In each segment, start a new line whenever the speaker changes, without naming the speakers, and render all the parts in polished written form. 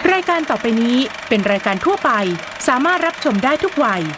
รายการต่อไปนี้เป็นรายการทั่วไปสามารถรับชมได้ทุกวัย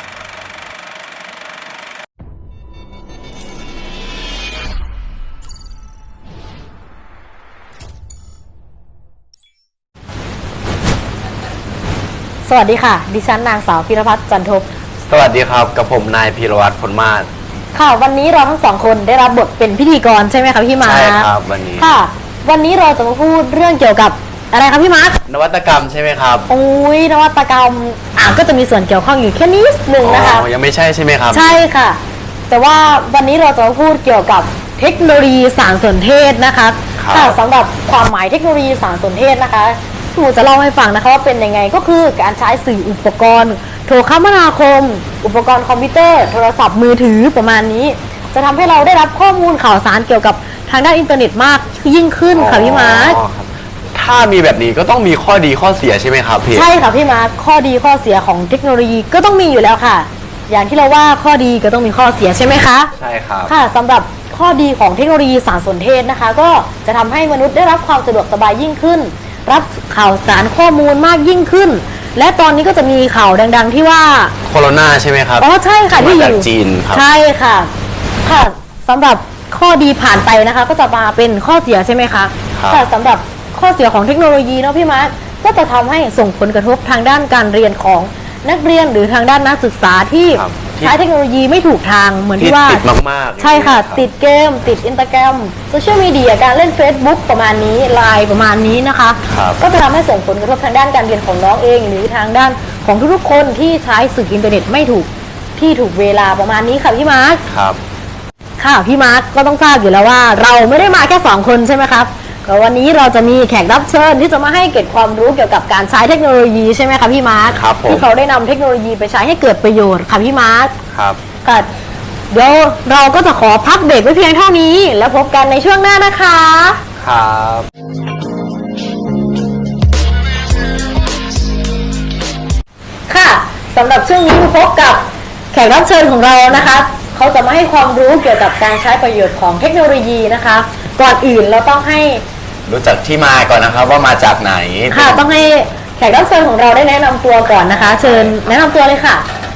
สวัสดีค่ะดิฉันนางสาวพิรพัฒน์จันทบ
สวัสดีครับกับผมนายพีรวัตรผลมาศ
ค่ะวันนี้เราทั้งสองคนได้รับบทเป็นพิธีกรใช่ไหมคะพี่มาร์ค
ใช่ครับวันนี้
ค่ะวันนี้เราจะมาพูดเรื่องเกี่ยวกับอะไรคะพี่มาร์คน
วัตกรรมใช่ไหมครับ
โอ้ยนวัตกรรมก็จะมีส่วนเกี่ยวข้องอยู่แค่นิดนึงนะคะ
ยังไม่ใช่ใช่ไหมครับ
ใช่ค่ะแต่ว่าวันนี้เราจะมาพูดเกี่ยวกับเทคโนโลยีสารสนเทศนะคะค่ะสำหรับความหมายเทคโนโลยีสารสนเทศนะคะหนูจะเล่าให้ฟังนะคะว่าเป็นยังไงก็คือการใช้สื่ออุปกรณ์โทรคมนาคมอุปกรณ์คอมพิวเตอร์โทรศัพท์มือถือประมาณนี้จะทำให้เราได้รับข้อมูลข่าวสารเกี่ยวกับทางด้านอินเทอร์เน็ตมากยิ่งขึ้นค่ะพี่มาร์ค
ถ้ามีแบบนี้ก็ต้องมีข้อดีข้อเสียใช่ไหมครับพี่
ใช่ค่ะพี่มาร์คข้อดีข้อเสียของเทคโนโลยีก็ต้องมีอยู่แล้วค่ะอย่างที่เราว่าข้อดีก็ต้องมีข้อเสียใช่ไหมคะ
ใช่ครับ
ค่ะสำหรับข้อดีของเทคโนโลยีสารสนเทศนะคะก็จะทำให้มนุษย์ได้รับความสะดวกสบายยิ่งขึ้นรับข่าวสารข้อมูลมากยิ่งขึ้นและตอนนี้ก็จะมีข่าวดังๆที่ว่า
โคโรนาใช่ไหมครับ
อ๋อใช่ค่ะที่อยู่
จีนครับ
ใช่ค่ะค่ะสำหรับข้อดีผ่านไปนะคะก็จะมาเป็นข้อเสียใช่ไหมคะแต่สำหรับข้อเสียของเทคโนโลยีเนาะพี่มาร์คก็จะทำให้ส่งผลกระทบทางด้านการเรียนของนักเรียนหรือทางด้านนักศึกษาที่ใช้เทคโนโลยีไม่ถูกทางเหมือนที่ว่า
ติดมาก
ๆใช่ค่ะติดเกมติดอินสตาแกรมโซเชียลมีเดียการเล่น Facebook ประมาณนี้ไลน์ประมาณนี้นะคะก็จะทำให้ส่งผลกระทบทางด้านการเรียนของน้องเองหรือทางด้านของทุกๆคนที่ใช้สื่ออินเทอร์เน็ตไม่ถูกที่ถูกเวลาประมาณนี้ค่ะพี่มาร์ค
ครับ
ค่ะพี่มาร์คก็ต้องทราบอยู่แล้วว่าเราไม่ได้มาแค่2คนใช่ไหมครับก็วันนี้เราจะมีแขกรับเชิญที่จะมาให้เกิดความรู้เกี่ยวกับการใช้เทคโนโลยีใช่ไหมคะพี่มาร์ค
ครับผม
ที่เขาได้นำเทคโนโลยีไปใช้ให้เกิดประโยชน์ค่ะพี่มาร์ค
ครับ
ค่ะเดี๋ยวเราก็จะขอพักเบรกไว้เพียงเท่านี้แล้วพบกันในช่วงหน้านะคะ
ครับ
ค่ะสำหรับช่วงนี้พบกับแขกรับเชิญของเรานะคะเขาจะมาให้ความรู้เกี่ยวกับการใช้ประโยชน์ของเทคโนโลยีนะคะก่อนอื่นเราต้องให้
รู้จักที่มาก่อนนะครับว่ามาจากไหน
ค่ะต้องให้แขกรับเชิญของเราได้แนะนำตัวก่อนนะคะเชิญแนะนำตัวเลยค่ะ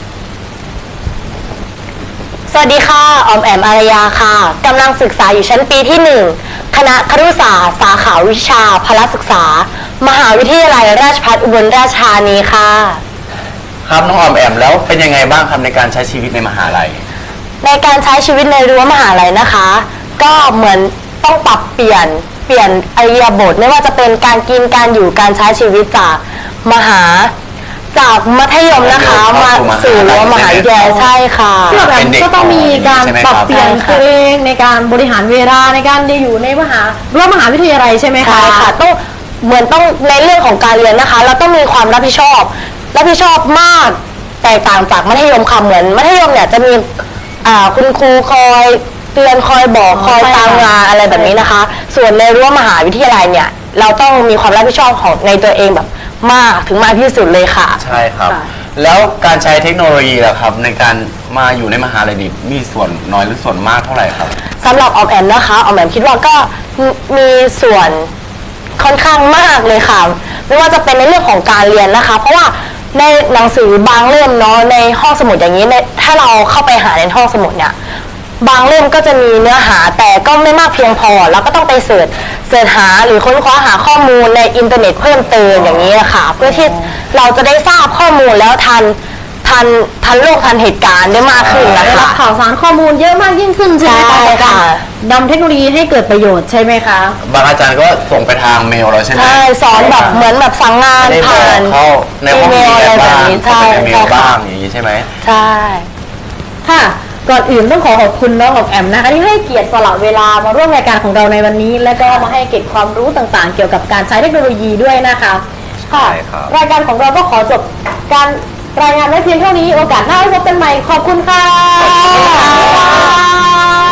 สวัสดีค่ะออมแอมอารยาค่ะกำลังศึกษาอยู่ชั้นปีที่1คณะครุศาสตร์สาขาวิชาพละศึกษามหาวิทยาลัยราชภัฏอุบลราชธานีค่ะ
ครับน้องออมแอมแล้วเป็นยังไงบ้างครับในการใช้ชีวิตในมหาลัย
ในการใช้ชีวิตในรั้วมหาลัยนะคะก็เหมือนต้องปรับเปลี่ยนอิริยาบถไม่ว่าจะเป็นการกินการอยู่การใช้ชีวิตจากมัธยมนะคะมาสู่รั้วมหาวิทยาลัยใช่ค่ะ
ก็ต้องมีการปรับเปลี่ยนตัวเองในการบริหารเวลาในการอยู่ในรั้วมหาวิทยาลัยใช่ไหมคะ
ใช่ค่ะต้องในเรื่องของการเรียนนะคะเราต้องมีความรับผิดชอบมากแตกต่างจากมัธยมค่ะเหมือนมัธยมเนี่ยจะมีคุณครูคอยเตือนคอยบอกคอยตามงานอะไรแบบนี้นะคะส่วนในรั้วมหาวิทยาลัยเนี่ยเราต้องมีความรับผิดชอบของในตัวเองแบบมากถึงมากที่สุดเลยค่ะ
ใช่ครับแล้วการใช้เทคโนโลยีล่ะครับในการมาอยู่ในมหาลัยนี้มีส่วนน้อยหรือส่วนมากเท่าไหร่ครับ
สำหรับออมแอมนะคะออมแอมคิดว่าก็มีส่วนค่อนข้างมากเลยค่ะไม่ว่าจะเป็นในเรื่องของการเรียนนะคะเพราะว่าในหนังสือบางเล่มเนาะในห้องสมุดอย่างนี้ถ้าเราเข้าไปหาในห้องสมุดเนี่ยบางเล่มก็จะมีเนื้อหาแต่ก็ไม่มากเพียงพอเราก็ต้องไปเสิร์ชหาหรือค้นคว้าหาข้อมูลในอินเทอร์เน็ตเพิ่มเติมอย่างนี้ค่ะเพื่อที่เราจะได้ทราบข้อมูลแล้วทันโลกทันเหตุการณ์ได้มากขึ้นนะคะ
ข่าวสารข้อมูลเยอะมากยิ่งขึ้นใช่ไหมคะในการนำเทคโนโลยีให้เกิดประโยชน์ใช่ไหมคะ
บางอาจารย์ก็ส่งไปทางเมลเราใช่ไหม
ใช่สอนแบบเหมือนแบบสั่งงานผ่าน
เข้าในห้องเรียนบ้างใช่ในเมลบ้างอย่างนี้ใช่ไหม
ใช่
ค่ะก่อนอื่นต้องขอบคุณน้องออมแอมนะคะที่ให้เกียรติสละเวลามาร่วมรายการของเราในวันนี้และก็มาให้เก็บความรู้ต่างๆเกี่ยวกับการใช้เทคโนโลยีด้วยนะคะค่ะรายการของเราก็ขอจบการรายงานไว้เพียงเท่านี้โอกาสหน้าพบกันใหม่ขอบคุณค่ะ